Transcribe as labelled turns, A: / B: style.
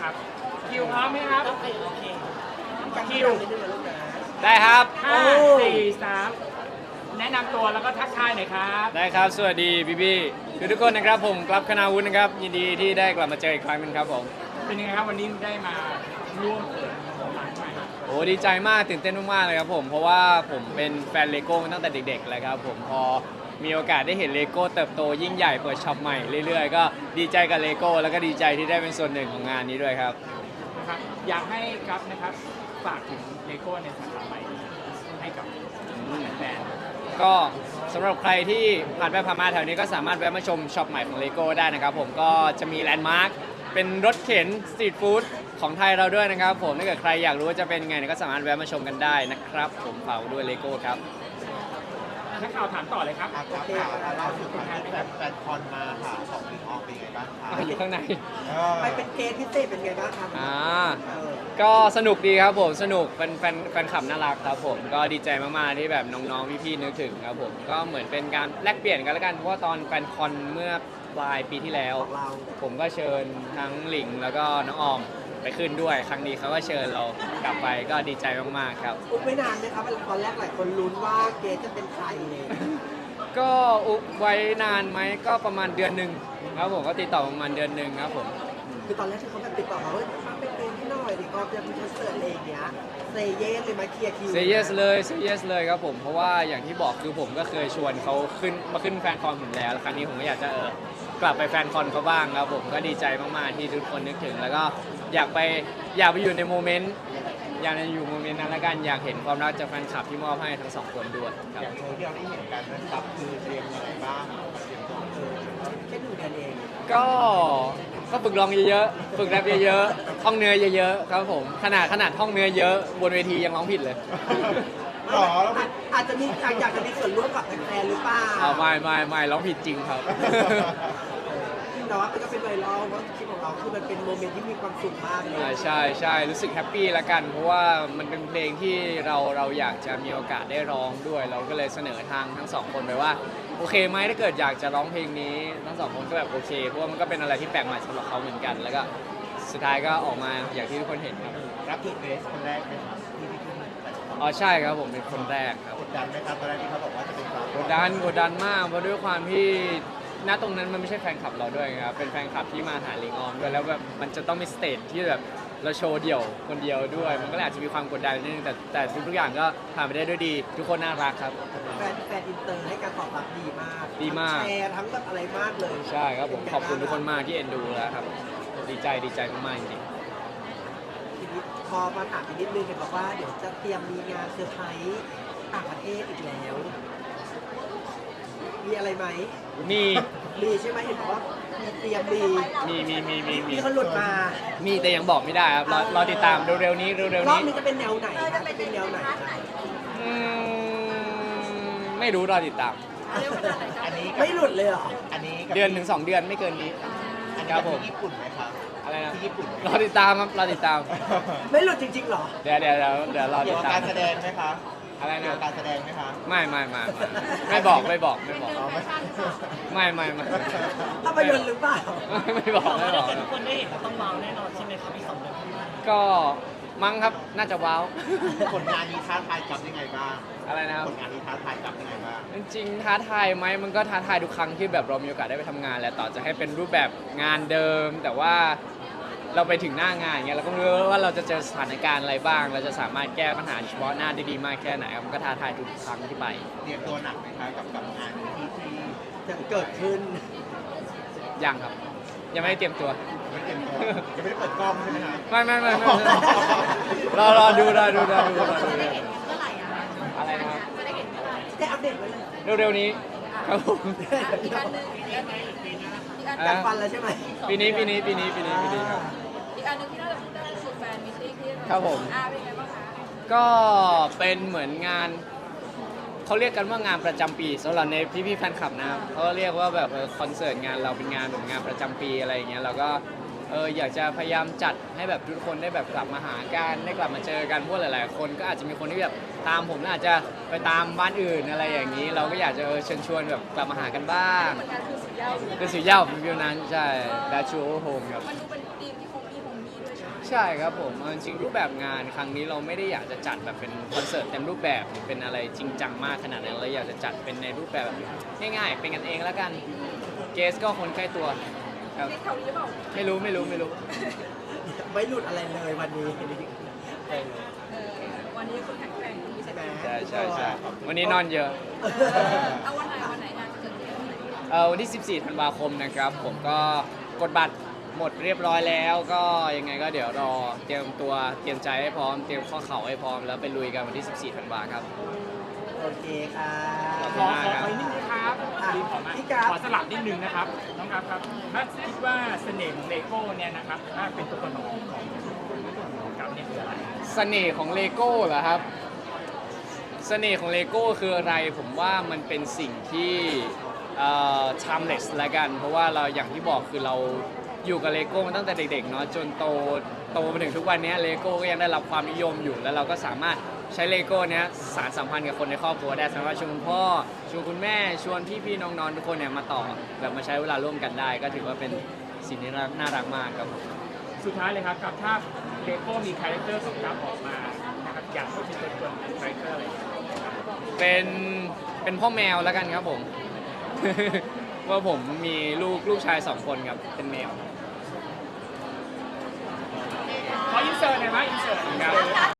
A: ครับคิวพร้อมไหมครับโอเคคิว
B: ได้ครับ
A: 5 4 3แนะนำตัวแล้วก็ทักทายหน่อยครับ
B: ได้ครับ สวัสดีพี่ทุกคนนะครับผมกลับคณาวุฒินะครับยินดีที่ได้กลับมาเจออีกครั้งหนึงครับผม
A: เป็นยังไงครับวันนี้ได้มาร่วมเปิดร้านใหม่
B: โอ้ดีใจมากตื่นเต้นมากๆเลยครับผมเพราะว่าผมเป็นแฟนเลโก้มาตั้งแต่เด็กๆเลยครับผมพอมีโอกาสได้เห็นเลโก้เติบโตยิ่งใหญ่เปิดช็อปใหม่เรื่อยๆก็ดีใจกับเลโก้แล้วก็ดีใจที่ได้เป็นส่วนหนึ่งของงานนี้ด้วยครับ
A: นะครับอยากให้ครับนะครับฝากถึงเลโก้ในสาขาใหม่ให้กับแฟน
B: ก็สำหรับใครที่ผ่านไปผ่านมาแถวนี้ก็สามารถแวะมาชมช็อปใหม่ของเลโก้ได้นะครับผมก็จะมีแลนด์มาร์คเป็นรถเข็นสตรีทฟู้ดของไทยเราด้วยนะครับผมถ้าเกิดใครอยากรู้ว่าจะเป็นไงเนี่ยก็สามารถแวะมาชมกันได้นะครับผมฝากไว้ด้วยเลโก้ครับ
A: นักข่าวถามต่อเลยครับ
C: ครับค่ะล่าสุดผ่านแฟนคอนมาค่ะของลิงอองเป็นไงบ้างคะ
B: อยู่ข้างใน
D: ไปเป็นเกสพิเศษเป็นไงบ้างครับ
B: ก็สนุกดีครับผมสนุกเป็นแฟนคลับน่ารักครับผมก็ดีใจมากๆที่แบบน้องๆพี่ๆนึกถึงครับผมก็เหมือนเป็นการแลกเปลี่ยนกันแล้วกันเพราะว่าตอนแฟนคอนเมื่อปลายปีที่แล้ว
D: เรา
B: ผมก็เชิญทั้งหลิงแล้วก็น้องออมไปขึ้นด้วย ครั้งนี้เขาก็เชิญเรากลับไปก็ดีใจมากๆครับ
D: อุ๊บไม่นานไหมครับตอนแรกหลายคนลุ้นว่าเกสจะเป็นใครเลย
B: ก็อุบไว้นานไหมก็ประมาณเดือนหนึ่งครับผมก็ติดต่อประมาณเดือนหนึ่งครับผม
D: คือตอนแรกที่เขาแบบติดต่อมาว่ามาเป็นเกสให้หน่อยดิก็จะมีคอนเสิร์ตอะไรอย่างเงี้ยเซเยสเลยมาเคลียร์คิว
B: เซเยสเลยเซเยสเลยครับผมเพราะว่าอย่างที่บอกคือผมก็เคยชวนเขาขึ้นแฟนคอนผมแล้วครั้งนี้ผมก็อยากจะกลับไปแฟนคอนเขาบ้างครับผมก็ดีใจมากๆที่ทุกคนนึกถึง แล้วก็อยากไปอยู่ในโมเมนต์อยากจะอยู่โมเมนต์นั้นละกันอยากเห็นความรักจากแฟนคลับที่มอบให้ทั้งสองคนด้วยค
C: อ
B: รับ
C: ย่างโชว์ที่เราได้เห็นกันนะครับคือเตรียมยังไงบ้างเตรียมตัว
D: แค่1 เดือนเอง
B: ก็ฝึกร้องเยอะๆฝึกแรปเยอะๆท่องเนื้อเยอะๆครับผมขนาดท่องเนื้อเยอะบนเวทียังร้องผิดเลย
C: หรอแล้ว
D: อาจจะมีอยากจะมีส่วนร่วมกับแฟนๆหรือเปล่า
B: ไม่ร้องผิดจริงครับ
D: แต่ว่ามันก็เป็นไวรัลว่าคลิปของเราคือมันเป็นโมเมนต์ที่มีความสุขมากเลย
B: ใช่รู้สึกแฮปปี้ละกัน เพราะว่ามันเป็นเพลงที่เราอยากจะมีโอกาสได้ร้องด้วย เราก็เลยเสนอทางทั้งสองคนไปว่าโอเคไหมถ้าเกิดอยากจะร้องเพลงนี้ทั้งสองคนก็แบบโอเคเพราะว่ามันก็เป็นอะไรที่แปลกใหม่สำหรับเขาเหมือนกัน แล้วก็สุดท้ายก็ออกมาอย่างที่ทุกคนเห็นครับ
C: รับถูกเรสคนแรกไหมครับที่พี่ขึ้นแต่
B: อ๋อใช่ครับผมเป็นคนแรกครับ
C: กดดันไหมครับตอนแรกที่เขาบอกว่าจะเป็นเรา
B: กดดันมากเพราะด้วยความที่ณตรงนั้นมันไม่ใช่แฟนคลับเราด้วยครับเป็นแฟนคลับที่มาหาลิงออมด้วยแล้วแบบมันจะต้องมีสเตจที่แบบเราโชว์เดี่ยวคนเดียวด้วย มันก็เลยอาจจะมีความกดดันนิดนึงแต่ทุกอย่างก็ผ่านไปได้ด้วยดี ทุกคนน่ารักครับ
D: แฟนอินเตอร์ให้การตอบรับดีมาก
B: ดีมาก
D: ทั้งแชร์ทั้งแบบอะไรมากเลย
B: ใช่ครับผมขอบคุณทุกคนมากที่เอ็นดูแล้วครับดีใจมากๆจริง
D: ทีนี้พอมาถามอีกนิดนึงเห็นบอกว่าเดี๋ยวจะเตรียมมีงานเซอร์ไพรส์ต่างประเทศอีกแล้ว มีอะไรไหม
B: ๆมี
D: มีใช่ไหมเห็นบอกว่ามีเตรียมมี
B: มี
D: เขาหลุดมา
B: มีแต่ยังบอกไม่ได้ครับรอติดตามเร็วๆนี้
D: รอบนี้จะเป็นแนวไหนคะจะเป็นแนวไหนคะ
B: อืมไม่รู้รอติดตาม
C: อันนี้
D: ไม่หลุดเลยเหรอ
C: อันนี้กับ
B: เดือนถึง2 เดือนไม่เกินนี้
C: อัน
B: ครั
C: นี้
B: บผม
C: ที่ญี่ปุ่นไหมครับ
B: อะไรนะ
C: ที่ญี่ปุ่นไหม
B: รอติดตามครับรอติดตาม
D: ไม่หลุดจริงๆเหรอ
B: เดี๋ยวรอ
C: เกี่
B: ติ
C: ยว
B: ด
C: กับ
B: ตาม
C: การแสดงไหมคะ
B: อะไร
C: เกี่ยว
B: นะ
C: กับการแสดงไหมคะ
B: ไม่บอก
C: อ๋อไม่
B: ไม่
D: ภาพยนตร์หรือเปล่า
B: ไม่บอก
A: ทุกคนได้เห็นเราต้องว้าวแน่นอนใช่ไหมครับอีก2 เดือนข้างหน้า
B: ก็มั้งครับน่าจะว้าว
C: ผลงานนี้ท้าทายกับยังไงบ้าง
B: อะไรนะครับ
C: ผลงานนี้ท้าทายกับยังไงบ้าง
B: จริงๆท้าทายไหมมันก็ท้าทายทุกครั้งที่แบบเรามีโอกาสได้ไปทำงานแหละต่อจะให้เป็นรูปแบบงานเดิม แต่ว่าเราไปถึงหน้างานอย่างเงี้ยเราก็ไม่รู้ว่าเราจะเจอสถานการณ์อะไรบ้าง เราจะสามารถแก้ปัญหาเฉพาะหน้าได้ดีมากแค่ไหนครับมันก็ท้าทายทุกครั้งที่ไป
C: เตรียมตัวหนักไหมคะกับงานนี้ที่
D: จะเกิดขึ้น
B: ยังครับ ยังไม่ได้เตรียมตัว
C: ไม่เตรียมตัวยังไม่ได้เปิดกล้องใช่ไหมคะ
B: ไม่รอดูอะไรนะครับ
D: ได้อัปเดตไว้เลย
B: เร็วๆนี้ครับผม
E: อีกอันหนึ่ง
D: จากฟันแล้วใช่ไหม
B: ปีนี้ครับ
E: อีกอันหนึ่งที่เราจะพูดได้คือแฟนมิตติ้งที่
B: ครับผม
E: เป็นไงบ้างคะ
B: ก็เป็นเหมือนงานเขาเรียกกันว่างานประจำปีสำหรับในพี่ๆแฟนคลับนะครับเขาเรียกว่าแบบคอนเสิร์ตงานเราเป็นงานแบบงานประจำปีอะไรอย่างเงี้ยเราก็อยากจะพยายามจัดให้แบบทุกคนได้แบบกลับมาหากันได้กลับมาเจอกันเพราะหลายๆคนก็อาจจะมีคนที่แบบตามผมแล้วอาจจะไปตามบ้านอื่นอะไรอย่างนี้ เราก็อยากจะเชิญชวนแบบกลับมาหากันบ้าง
E: ผลงานคือสุดยอด
B: คือสุดยอดวิวนั้นใช่ดาชูโฮมครับ
E: มันดูเป็นทีมที่โฮมมี่ด้วยใช่ไหม
B: ใช่ครับผมเอาจริงๆรูปแบบงานครั้งนี้เราไม่ได้อยากจะจัดแบบเป็นคอนเสิร์ตเต็มรูปแบบหรือเป็นอะไรจริงจังมากขนาดนั้นเราอยากจะจัดเป็นในรูปแบบง่ายๆเป็นกันเองแล้วกันเกสก็คนใกล้ตัวครับ
E: นี่เขาหรือเปล่า
B: ไม่รู้
D: ไม่หลุดอะไรเลยวันนี้เออ
E: วันนี้คุณแข็งแกร่งมี
D: ใช่
E: ใช่
D: ไห
E: ไห
D: ม
E: ม
B: ใช่วันนี้นอนเยอะ
E: เอาวันไหนงานจะเกิดขึ้น
B: วันที่ 14 ธันวาคมนะครับ ผมก็กดบัตรหมดเรียบร้อยแล้วก็ยังไงก็เดี๋ยวรอเตรียมตัวเตรียมใจให้พร้อมเตรียมข้อเข่าให้พร้อมแล้วไปลุยกันวันที่ 14 ธันวาครับ
D: โอเคค่ะ
A: ขออีกนิดนึงครับขอสลับนิดนึงนะครับน้องครับครับถ้าคิดว่าเสน่ห์ของเลโก้เนี่ยนะครับถ้าเป็นตัวตนของกับเนี่ยคืออะไร
B: เสน่ห์ของเลโก้เหรอครับ เสน่ห์ของเลโก้คืออะไรผมว่ามันเป็นสิ่งที่timeless ละกัน เพราะว่าเราอย่างที่บอกคือเราอยู่กับเลโก้มาตั้งแต่เด็กๆเนาะจนโตมาถึงทุกวันนี้เลโก้ก็ยังได้รับความนิยมอยู่ แล้วเราก็สามารถใช้เลโก้เนี้ยสานสัมพันธ์กับคนในครอบครัวได้สามารถชวนคุณพ่อชวนคุณแม่ชวนพี่ๆน้องๆทุกคนเนี่ยมาต่อแบบมาใช้เวลาร่วมกันได้ ก็ถือว่าเป็นสิ่งที่น่ารักมากครับ
A: สุดท้ายเลยครับกับถ้าเลโก้มีคาแรคเตอร์ของกับออกมานะครับอยากให้เป็นตัวตนคาแรคเตอร์อะไร
B: เป็นพ่อแมวแล้วกันครับผม ว่าผมมีลูกชาย2 คนครับเป็นแมว
A: ขออินเสิร์ตหน่อยไหมอินเสิร์ตครับ